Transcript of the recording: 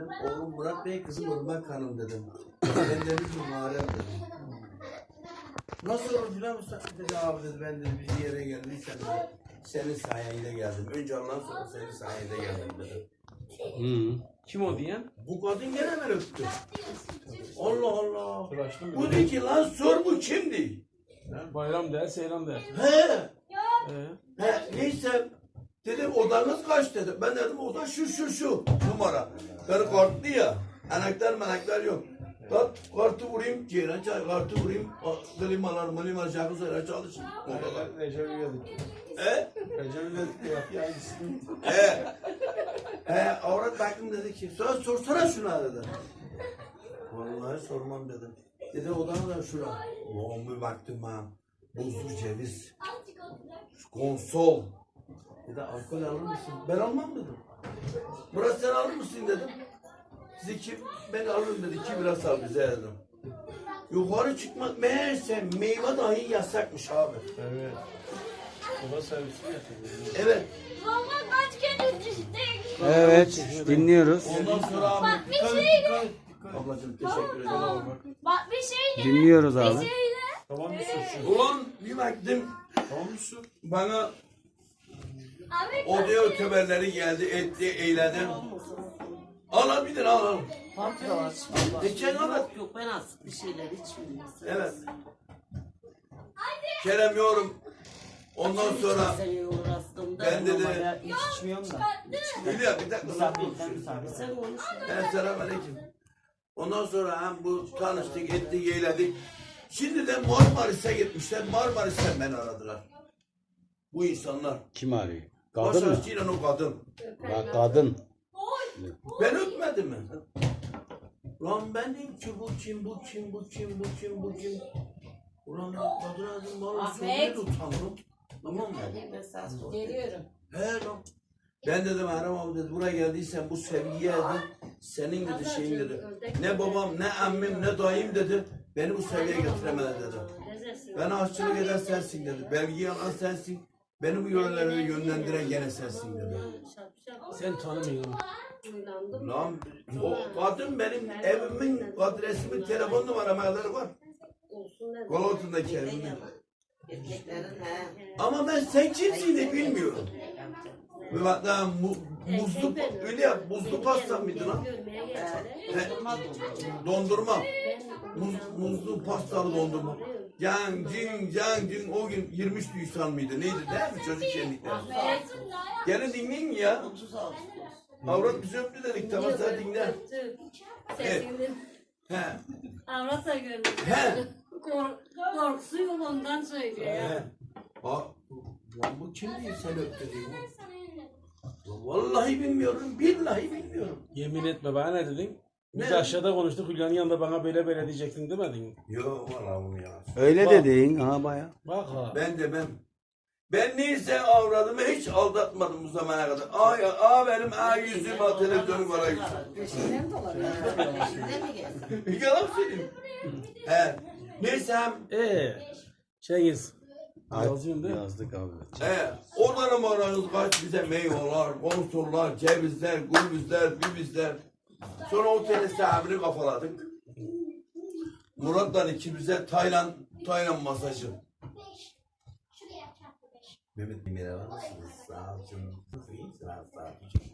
Oğlum Murat Bey, kızım Irmak Hanım dedim. Ben dedim Muharrem dedim. Nasıl olur biliyor musun? Dedi abi dedi, ben dedi bir yere geldim. Senin sayende geldim. Önce Allah'ın, sonra senin sayende geldim dedi. Kim o diyen? Bu kadın gene ben öptü. Allah Allah. Tıraşlı mı? Bu dedi ki lan sor bu kimdi? Bayram der, seyran der. He. Neyse. Dedim odanız kaç dedi. Ben dedim oda şu numara. Karı kartlı ya. Anahtar yok. Kartı vurayım, ceyran çay, kartı vurayım, klimalar, şarkı söyler, çalışın. Recep İvedik. Recep İvedik ya. Avrat baktım dedi ki, sorsana şuna dedi. Vallahi sormam dedim. Dedi odanı da şura. Ulan bir baktım ha. Buzlu ceviz. Konsol. Dedi alkol alır mısın? Ben almam dedim. Murat sen alır mısın dedim. Ben alırım dedi. 2 bira sal bize dedim. Yukarı çıkmak meğerse meyve dahi yasakmış abi. Evet. Oda servisi yapıyor. Evet. Baba kaç kere düştük. Evet, dinliyoruz. Ondan sonra abi. Bak bir şeyle. Ablacığım teşekkür ederim. Bak bir şeyle. Dinliyoruz Bir abi. şeyle. Tamam mısın şu? Ulan bir baktım Tamam mısın? bana Abi odaya öteberleri geldi, etti, eyledi. Al bir tane al. Farkı da var. Geçen anlat. Yok ben az bir şeyler içmiyorum. Evet. Kerem yorum. Ondan sonra ben dedi, Hiç içmiyorum da. Hülya bir dakika. Sen konuş. Selamünaleyküm. Ondan sonra hem bu tanıştık, ettik, eğledik. Şimdi de Marmaris'e gitmişler. Marmaris'ten beni aradılar. Bu insanlar. Kim arıyor? Kadın mı? Başarısıyla o kadın. Bak kadın. Ben öpmedim mi? Lan ben dedim ki bu kim? Ulan kadına dedim bana söyledi utandım. Tamam mı? Geliyorum. He lan. Ben dedim Erem abi dedi buraya geldiysen bu sevgiye dedi. Senin dedi şeyin dedi. Ne babam ne emmim ne dayım dedi. Beni bu seviyeye getiremedi dedi. Ben aşçılık eden sensin dedi. Belgeyi alan sensin. Beni bu yönlere yönlendiren gene sensin dedi. Sen tanımıyorsun. Lan o kadın benim evimin adresimin telefon numaramaları var. Kol altındaki evimin. Ama ben sen kimsin de bilmiyorum. Ve hatta muzlu öyle ya buzlu pasta mıydı lan? Dondurma. Muzlu pastalı dondurma. Can cin o gün 23 Nisan mıydı? Neydi değil mi çocuk şenlikleri? Gene dinleyin ya. Avrat bizi öptü dedik tamam sen dinle. Sesini. He. Avrat da görmüş. He. Korkusu yolundan söylüyor ya. Lan bu kim diye sen öptü diyor. Vallahi bilmiyorum, billahi bilmiyorum. Yemin etme bana ne dedin? Biz Ne? aşağıda konuştuk. Hülya'nın yanında bana böyle diyecektin demedin mi? Yok valla bunu ya. Öyle Bak. dedin ha baya. Bak ha. Ben neyse avradımı hiç aldatmadım bu zamana kadar. Benim yüzüm televizyonu var yüzüm. Peşinden mi gelsin? Yalan söyleyeyim. He. Neyse hem Cengiz. Yazıyorsun değil mi? Yazdık abi. oradan aranız kaç bize meyveler, konsollar, cevizler, gurbizler, bibizler. Sonra otelin sahibini kafaladık. Murat'la ikimize Tayland masajı. Mehmet Demir'e var mısınız? Sağ ol canım. Sağ ol.